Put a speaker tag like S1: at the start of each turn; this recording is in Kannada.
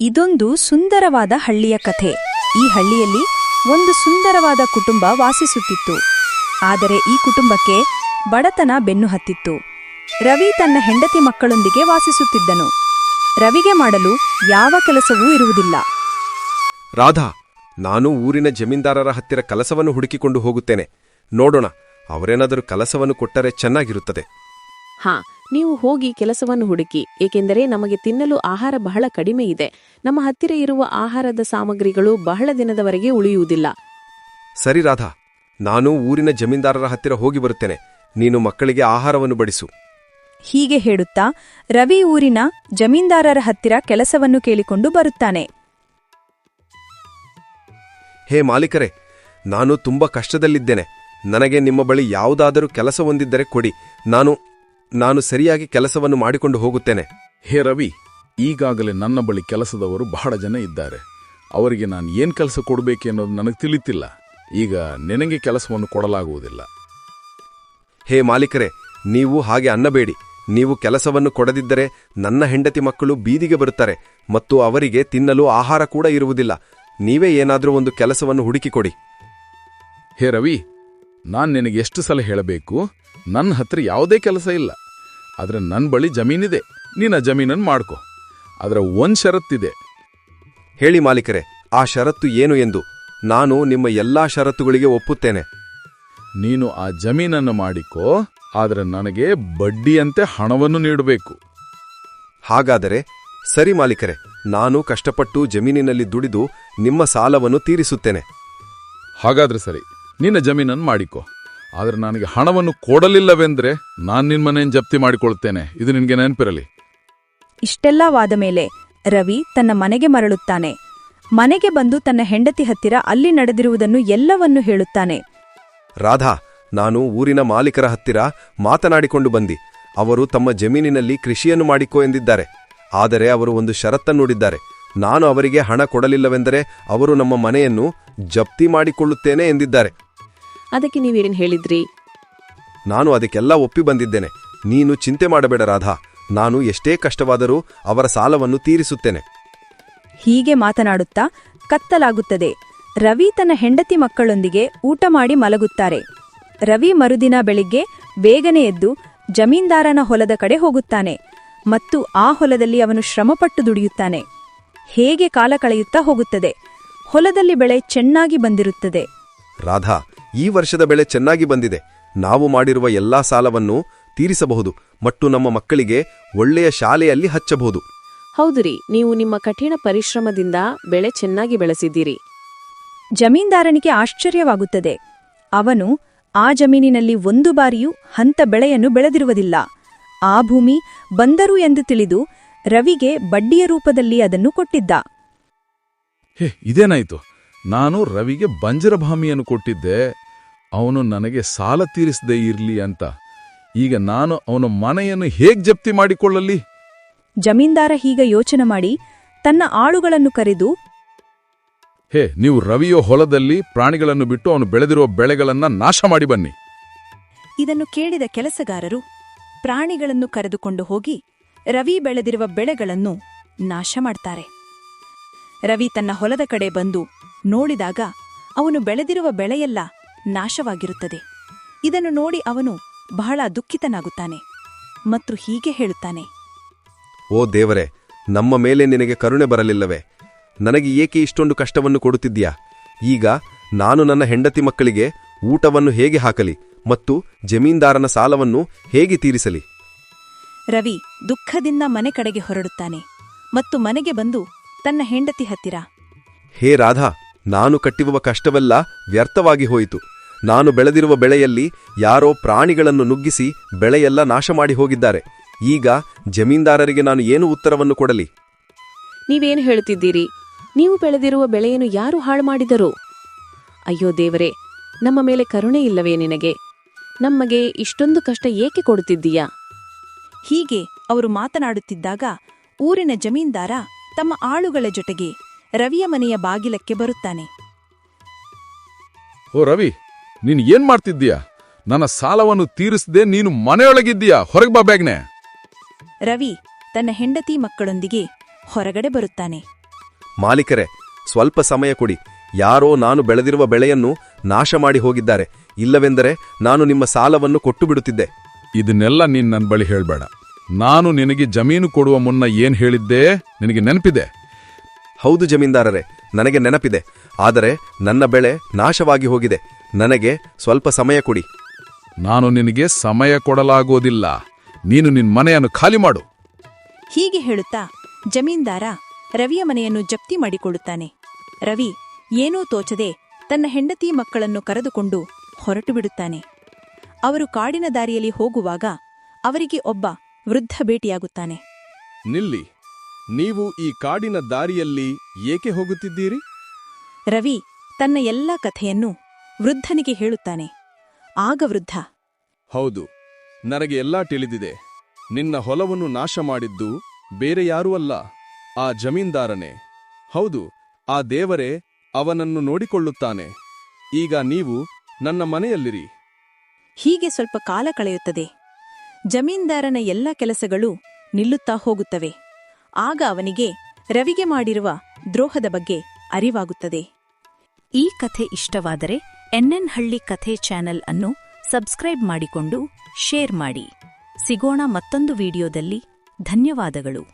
S1: ಇದೊಂದು ಸುಂದರವಾದ ಹಳ್ಳಿಯ ಕಥೆ. ಈ ಹಳ್ಳಿಯಲ್ಲಿ ಒಂದು ಸುಂದರವಾದ ಕುಟುಂಬ ವಾಸಿಸುತ್ತಿತ್ತು. ಆದರೆ ಈ ಕುಟುಂಬಕ್ಕೆ ಬಡತನ ಬೆನ್ನು ಹತ್ತಿತ್ತು. ರವಿ ತನ್ನ ಹೆಂಡತಿ ಮಕ್ಕಳೊಂದಿಗೆ ವಾಸಿಸುತ್ತಿದ್ದನು. ರವಿಗೆ ಮಾಡಲು ಯಾವ ಕೆಲಸವೂ ಇರುವುದಿಲ್ಲ.
S2: ರಾಧಾ, ನಾನು ಊರಿನ ಜಮೀನ್ದಾರರ ಹತ್ತಿರ ಕೆಲಸವನ್ನು ಹುಡುಕಿಕೊಂಡು ಹೋಗುತ್ತೇನೆ. ನೋಡೋಣ, ಅವರೇನಾದರೂ ಕೆಲಸವನ್ನು ಕೊಟ್ಟರೆ ಚೆನ್ನಾಗಿರುತ್ತದೆ.
S3: ಹಾ, ನೀವು ಹೋಗಿ ಕೆಲಸವನ್ನು ಹುಡುಕಿ, ಏಕೆಂದರೆ ನಮಗೆ ತಿನ್ನಲು ಆಹಾರ ಬಹಳ ಕಡಿಮೆ ಇದೆ. ನಮ್ಮ ಹತ್ತಿರ ಇರುವ ಆಹಾರದ ಸಾಮಗ್ರಿಗಳು ಬಹಳ ದಿನದವರೆಗೆ ಉಳಿಯುವುದಿಲ್ಲ.
S2: ಸರಿ ರಾಧಾ, ನಾನು ಊರಿನ ಜಮೀನ್ದಾರರ ಹತ್ತಿರ ಹೋಗಿ ಬರುತ್ತೇನೆ. ನೀನು ಮಕ್ಕಳಿಗೆ ಆಹಾರವನ್ನು ಬಡಿಸು.
S1: ಹೀಗೆ ಹೇಳುತ್ತಾ ರವಿ ಊರಿನ ಜಮೀನ್ದಾರರ ಹತ್ತಿರ ಕೆಲಸವನ್ನು ಕೇಳಿಕೊಂಡು ಬರುತ್ತಾನೆ.
S2: ಹೇ ಮಾಲೀಕರೇ, ನಾನು ತುಂಬ ಕಷ್ಟದಲ್ಲಿದ್ದೇನೆ. ನನಗೆ ನಿಮ್ಮ ಬಳಿ ಯಾವುದಾದರೂ ಕೆಲಸ ಹೊಂದಿದ್ದರೆ ಕೊಡಿ. ನಾನು ಸರಿಯಾಗಿ ಕೆಲಸವನ್ನು ಮಾಡಿಕೊಂಡು ಹೋಗುತ್ತೇನೆ.
S4: ಹೇ ರವಿ, ಈಗಾಗಲೇ ನನ್ನ ಬಳಿ ಕೆಲಸದವರು ಬಹಳ ಜನ ಇದ್ದಾರೆ. ಅವರಿಗೆ ನಾನು ಏನ್ ಕೆಲಸ ಕೊಡಬೇಕೆನ್ನೋದು ನನಗೆ ತಿಳಿತಿಲ್ಲ. ಈಗ ನಿನಗೆ ಕೆಲಸವನ್ನು ಕೊಡಲಾಗುವುದಿಲ್ಲ.
S2: ಹೇ ಮಾಲೀಕರೇ, ನೀವು ಹಾಗೆ ಅನ್ನಬೇಡಿ. ನೀವು ಕೆಲಸವನ್ನು ಕೊಡದಿದ್ದರೆ ನನ್ನ ಹೆಂಡತಿ ಮಕ್ಕಳು ಬೀದಿಗೆ ಬರುತ್ತಾರೆ ಮತ್ತು ಅವರಿಗೆ ತಿನ್ನಲು ಆಹಾರ ಕೂಡ ಇರುವುದಿಲ್ಲ. ನೀವೇ ಏನಾದರೂ ಒಂದು ಕೆಲಸವನ್ನು ಹುಡುಕಿಕೊಡಿ.
S4: ಹೇ ರವಿ, ನಾನು ನಿನಗೆ ಎಷ್ಟು ಸಲ ಹೇಳಬೇಕು? ನನ್ನ ಹತ್ರ ಯಾವುದೇ ಕೆಲಸ ಇಲ್ಲ. ಆದರೆ ನನ್ನ ಬಳಿ ಜಮೀನಿದೆ. ನೀನು ಆ ಜಮೀನನ್ನು ಮಾಡ್ಕೊ. ಅದರ ಒಂದು ಷರತ್ತಿದೆ.
S2: ಹೇಳಿ ಮಾಲೀಕರೇ, ಆ ಷರತ್ತು ಏನು ಎಂದು. ನಾನು ನಿಮ್ಮ ಎಲ್ಲಾ ಷರತ್ತುಗಳಿಗೆ ಒಪ್ಪುತ್ತೇನೆ.
S4: ನೀನು ಆ ಜಮೀನನ್ನು ಮಾಡಿಕೋ, ಆದರೆ ನನಗೆ ಬಡ್ಡಿಯಂತೆ ಹಣವನ್ನು ನೀಡಬೇಕು.
S2: ಹಾಗಾದರೆ ಸರಿ ಮಾಲೀಕರೇ, ನಾನು ಕಷ್ಟಪಟ್ಟು ಜಮೀನಿನಲ್ಲಿ ದುಡಿದು ನಿಮ್ಮ ಸಾಲವನ್ನು ತೀರಿಸುತ್ತೇನೆ.
S4: ಹಾಗಾದ್ರೆ ಸರಿ, ನಿನ್ನ ಜಮೀನನ್ನು ಮಾಡಿಕೋ. ಆದರೆ ನನಗೆ ಹಣವನ್ನು ಕೊಡಲಿಲ್ಲವೆಂದ್ರೆ ನಾನು ನಿನ್ನ ಮನೆಯನ್ನು ಜಪ್ತಿ ಮಾಡಿಕೊಳ್ತೇನೆ. ಇದು ನಿನಗೆ ನೆನಪಿರಲಿ.
S1: ಇಷ್ಟೆಲ್ಲ ವಾದ ಮೇಲೆ ರವಿ ತನ್ನ ಮನೆಗೆ ಮರಳುತ್ತಾನೆ. ಮನೆಗೆ ಬಂದು ತನ್ನ ಹೆಂಡತಿ ಹತ್ತಿರ ಅಲ್ಲಿ ನಡೆದಿರುವುದನ್ನು ಎಲ್ಲವನ್ನೂ ಹೇಳುತ್ತಾನೆ.
S2: ರಾಧಾ, ನಾನು ಊರಿನ ಮಾಲೀಕರ ಹತ್ತಿರ ಮಾತನಾಡಿಕೊಂಡು ಬಂದಿ. ಅವರು ತಮ್ಮ ಜಮೀನಿನಲ್ಲಿ ಕೃಷಿಯನ್ನು ಮಾಡಿಕೋ ಎಂದಿದ್ದಾರೆ. ಆದರೆ ಅವರು ಒಂದು ಷರತ್ತನ್ನುಡಿದ್ದಾರೆ. ನಾನು ಅವರಿಗೆ ಹಣ ಕೊಡಲಿಲ್ಲವೆಂದರೆ ಅವರು ನಮ್ಮ ಮನೆಯನ್ನು ಜಪ್ತಿ ಮಾಡಿಕೊಳ್ಳುತ್ತೇನೆ ಎಂದಿದ್ದಾರೆ.
S3: ಅದಕ್ಕೆ ನೀವೇನು ಹೇಳಿದ್ರಿ?
S2: ನಾನು ಅದಕ್ಕೆಲ್ಲ ಒಪ್ಪಿ ಬಂದಿದ್ದೇನೆ. ನೀನು ಚಿಂತೆ ಮಾಡಬೇಡ ರಾಧಾ. ನಾನು ಎಷ್ಟೇ ಕಷ್ಟವಾದರೂ ಅವರ ಸಾಲವನ್ನು ತೀರಿಸುತ್ತೇನೆ.
S1: ಹೀಗೆ ಮಾತನಾಡುತ್ತಾ ಕತ್ತಲಾಗುತ್ತದೆ. ರವಿ ತನ್ನ ಹೆಂಡತಿ ಮಕ್ಕಳೊಂದಿಗೆ ಊಟ ಮಾಡಿ ಮಲಗುತ್ತಾರೆ. ರವಿ ಮರುದಿನ ಬೆಳಿಗ್ಗೆ ಬೇಗನೆ ಎದ್ದು ಜಮೀನ್ದಾರನ ಹೊಲದ ಕಡೆ ಹೋಗುತ್ತಾನೆ ಮತ್ತು ಆ ಹೊಲದಲ್ಲಿ ಅವನು ಶ್ರಮಪಟ್ಟು ದುಡಿಯುತ್ತಾನೆ. ಹೇಗೆ ಕಾಲ ಕಳೆಯುತ್ತಾ ಹೋಗುತ್ತದೆ. ಹೊಲದಲ್ಲಿ ಬೆಳೆ ಚೆನ್ನಾಗಿ ಬಂದಿರುತ್ತದೆ.
S2: ರಾಧಾ, ಈ ವರ್ಷದ ಬೆಳೆ ಚೆನ್ನಾಗಿ ಬಂದಿದೆ. ನಾವು ಮಾಡಿರುವ ಎಲ್ಲಾ ಸಾಲವನ್ನು ತೀರಿಸಬಹುದು ಮತ್ತು ನಮ್ಮ ಮಕ್ಕಳಿಗೆ ಒಳ್ಳೆಯ ಶಾಲೆಯಲ್ಲಿ ಹಚ್ಚಬಹುದು.
S3: ಹೌದುರಿ, ನೀವು ನಿಮ್ಮ ಕಠಿಣ ಪರಿಶ್ರಮದಿಂದ ಬೆಳೆ ಚೆನ್ನಾಗಿ ಬೆಳೆಸಿದ್ದೀರಿ.
S1: ಜಮೀನ್ದಾರನಿಗೆ ಆಶ್ಚರ್ಯವಾಗುತ್ತದೆ. ಅವನು ಆ ಜಮೀನಿನಲ್ಲಿ ಒಂದು ಬಾರಿಯೂ ಹಂತ ಬೆಳೆಯನ್ನು ಬೆಳೆದಿರುವುದಿಲ್ಲ. ಆ ಭೂಮಿ ಬಂದರು ಎಂದು ತಿಳಿದು ರವಿಗೆ ಬಡ್ಡಿಯ ರೂಪದಲ್ಲಿ ಅದನ್ನು ಕೊಟ್ಟಿದ್ದ.
S4: ಹೇ, ಇದೇನಾಯ್ತು? ನಾನು ರವಿಗೆ ಬಂಜರ ಭೂಮಿಯನ್ನು ಕೊಟ್ಟಿದ್ದೆ. ಅವನು ನನಗೆ ಸಾಲ ತೀರಿಸದೇ ಇರ್ಲಿ ಅಂತ. ಈಗ ನಾನು ಅವನ ಮನೆಯನ್ನು ಹೇಗೆ ಜಪ್ತಿ ಮಾಡಿಕೊಳ್ಳಲಿ?
S1: ಜಮೀನ್ದಾರ ಹೀಗೆ ಯೋಚನೆ ಮಾಡಿ ತನ್ನ ಆಳುಗಳನ್ನು ಕರೆದು,
S4: ಹೇ, ನೀವು ರವಿಯೋ ಹೊಲದಲ್ಲಿ ಪ್ರಾಣಿಗಳನ್ನು ಬಿಟ್ಟು ಅವನು ಬೆಳೆದಿರುವ ಬೆಳೆಗಳನ್ನ ನಾಶ ಮಾಡಿ ಬನ್ನಿ.
S1: ಇದನ್ನು ಕೇಳಿದ ಕೆಲಸಗಾರರು ಪ್ರಾಣಿಗಳನ್ನು ಕರೆದುಕೊಂಡು ಹೋಗಿ ರವಿ ಬೆಳೆದಿರುವ ಬೆಳೆಗಳನ್ನು ನಾಶ ಮಾಡ್ತಾರೆ. ರವಿ ತನ್ನ ಹೊಲದ ಕಡೆ ಬಂದು ನೋಡಿದಾಗ ಅವನು ಬೆಳೆದಿರುವ ಬೆಳೆಯೆಲ್ಲ ನಾಶವಾಗಿರುತ್ತದೆ. ಇದನ್ನು ನೋಡಿ ಅವನು ಬಹಳ ದುಃಖಿತನಾಗುತ್ತಾನೆ ಮತ್ತು ಹೀಗೆ ಹೇಳುತ್ತಾನೆ.
S2: ಓ ದೇವರೇ, ನಮ್ಮ ಮೇಲೆ ನಿನಗೆ ಕರುಣೆ ಬರಲಿಲ್ಲವೇ? ನನಗೆ ಏಕೆ ಇಷ್ಟೊಂದು ಕಷ್ಟವನ್ನು ಕೊಡುತ್ತಿದ್ದೀಯಾ? ಈಗ ನಾನು ನನ್ನ ಹೆಂಡತಿ ಮಕ್ಕಳಿಗೆ ಊಟವನ್ನು ಹೇಗೆ ಹಾಕಲಿ ಮತ್ತು ಜಮೀನ್ದಾರನ ಸಾಲವನ್ನು ಹೇಗೆ ತೀರಿಸಲಿ?
S1: ರವಿ ದುಃಖದಿಂದ ಮನೆ ಕಡೆಗೆ ಹೊರಡುತ್ತಾನೆ ಮತ್ತು ಮನೆಗೆ ಬಂದು ತನ್ನ ಹೆಂಡತಿ ಹತ್ತಿರ,
S2: ಹೇ ರಾಧಾ, ನಾನು ಕಟ್ಟಿರುವ ಕಷ್ಟವೆಲ್ಲ ವ್ಯರ್ಥವಾಗಿ ಹೋಯಿತು. ನಾನು ಬೆಳೆದಿರುವ ಬೆಳೆಯಲ್ಲಿ ಯಾರೋ ಪ್ರಾಣಿಗಳನ್ನು ನುಗ್ಗಿಸಿ ಬೆಳೆಯೆಲ್ಲ ನಾಶ ಮಾಡಿ ಹೋಗಿದ್ದಾರೆ. ಈಗ ಜಮೀನ್ದಾರರಿಗೆ ನಾನು ಏನು ಉತ್ತರವನ್ನು ಕೊಡಲಿ?
S3: ನೀವೇನು ಹೇಳುತ್ತಿದ್ದೀರಿ? ನೀವು ಬೆಳೆದಿರುವ ಬೆಳೆಯನ್ನು ಯಾರು ಹಾಳು ಮಾಡಿದರು? ಅಯ್ಯೋ ದೇವರೇ, ನಮ್ಮ ಮೇಲೆ ಕರುಣೆ ಇಲ್ಲವೇ ನಿನಗೆ? ನಮಗೆ ಇಷ್ಟೊಂದು ಕಷ್ಟ ಏಕೆ ಕೊಡುತ್ತಿದ್ದೀಯಾ?
S1: ಹೀಗೆ ಅವರು ಮಾತನಾಡುತ್ತಿದ್ದಾಗ ಊರಿನ ಜಮೀನ್ದಾರ ತಮ್ಮ ಆಳುಗಳ ಜೊತೆಗೆ ರವಿಯ ಮನೆಯ ಬಾಗಿಲಕ್ಕೆ ಬರುತ್ತಾನೆ.
S4: ಓ ರವಿ, ನೀನು ಏನ್ ಮಾಡ್ತಿದ್ದೀಯಾ? ನನ್ನ ಸಾಲವನ್ನು ತೀರಿಸದೆ ನೀನು ಮನೆಯೊಳಗಿದ್ದೀಯಾ? ಹೊರಗೆ ಬಾ ಬೇಗನೆ.
S1: ರವಿ ತನ್ನ ಹೆಂಡತಿ ಮಕ್ಕಳೊಂದಿಗೆ ಹೊರಗಡೆ ಬರುತ್ತಾನೆ.
S2: ಮಾಲೀಕರೇ, ಸ್ವಲ್ಪ ಸಮಯ ಕೊಡಿ. ಯಾರೋ ನಾನು ಬೆಳೆದಿರುವ ಬೆಳೆಯನ್ನು ನಾಶ ಮಾಡಿ ಹೋಗಿದ್ದಾರೆ. ಇಲ್ಲವೆಂದರೆ ನಾನು ನಿಮ್ಮ ಸಾಲವನ್ನು ಕೊಟ್ಟು ಬಿಡುತ್ತಿದ್ದೆ.
S4: ಇದನ್ನೆಲ್ಲ ನೀನ್ ನನ್ನ ಬಳಿ ಹೇಳ್ಬೇಡ. ನಾನು ನಿನಗೆ ಜಮೀನು ಕೊಡುವ ಮುನ್ನ ಏನ್ ಹೇಳಿದ್ದೆ ನಿನಗೆ ನೆನಪಿದೆ?
S2: ಹೌದು ಜಮೀನ್ದಾರರೇ, ನನಗೆ ನೆನಪಿದೆ. ಆದರೆ ನನ್ನ ಬೆಳೆ ನಾಶವಾಗಿ ಹೋಗಿದೆ. ನನಗೆ ಸ್ವಲ್ಪ ಸಮಯ ಕೊಡಿ.
S4: ನಾನು ನಿನಗೆ ಸಮಯ ಕೊಡಲಾಗೋದಿಲ್ಲ. ನೀನು ನಿನ್ ಮನೆಯನ್ನು ಖಾಲಿ ಮಾಡು.
S1: ಹೀಗೆ ಹೇಳುತ್ತಾ ಜಮೀನ್ದಾರ ರವಿಯ ಮನೆಯನ್ನು ಜಪ್ತಿ ಮಾಡಿಕೊಳ್ಳುತ್ತಾನೆ. ರವಿ ಏನೂ ತೋಚದೆ ತನ್ನ ಹೆಂಡತಿ ಮಕ್ಕಳನ್ನು ಕರೆದುಕೊಂಡು ಹೊರಟು ಬಿಡುತ್ತಾನೆ. ಅವರು ಕಾಡಿನ ದಾರಿಯಲ್ಲಿ ಹೋಗುವಾಗ ಅವರಿಗೆ ಒಬ್ಬ ವೃದ್ಧ ಭೇಟಿಯಾಗುತ್ತಾನೆ.
S5: ನಿಲ್ಲಿ, ನೀವು ಈ ಕಾಡಿನ ದಾರಿಯಲ್ಲಿ ಏಕೆ ಹೋಗುತ್ತಿದ್ದೀರಿ?
S1: ರವಿ ತನ್ನ ಎಲ್ಲ ಕಥೆಯನ್ನು ವೃದ್ಧನಿಗೆ ಹೇಳುತ್ತಾನೆ. ಆಗ ವೃದ್ಧ,
S5: ಹೌದು, ನನಗೆ ಎಲ್ಲಾ ತಿಳಿದಿದೆ. ನಿನ್ನ ಹೊಲವನ್ನು ನಾಶ ಮಾಡಿದ್ದು ಬೇರೆ ಯಾರೂ ಅಲ್ಲ, ಆ ಜಮೀನ್ದಾರನೇ. ಹೌದು, ಆ ದೇವರೇ ಅವನನ್ನು ನೋಡಿಕೊಳ್ಳುತ್ತಾನೆ. ಈಗ ನೀವು ನನ್ನ ಮನೆಯಲ್ಲಿರಿ.
S1: ಹೀಗೆ ಸ್ವಲ್ಪ ಕಾಲ ಕಳೆಯುತ್ತದೆ. ಜಮೀನ್ದಾರನ ಎಲ್ಲ ಕೆಲಸಗಳು ನಿಲ್ಲುತ್ತಾ ಹೋಗುತ್ತವೆ. ಆಗ ಅವನಿಗೆ ರವಿಗೆ ಮಾಡಿರುವ ದ್ರೋಹದ ಬಗ್ಗೆ ಅರಿವಾಗುತ್ತದೆ. ಈ ಕಥೆ ಇಷ್ಟವಾದರೆ ಎನ್ಎನ್ ಹಳ್ಳಿ ಕಥೆ ಚಾನೆಲ್ ಅನ್ನು ಸಬ್ಸ್ಕ್ರೈಬ್ ಮಾಡಿಕೊಂಡು ಶೇರ್ ಮಾಡಿ. ಸಿಗೋಣ ಮತ್ತೊಂದು ವಿಡಿಯೋದಲ್ಲಿ. ಧನ್ಯವಾದಗಳು.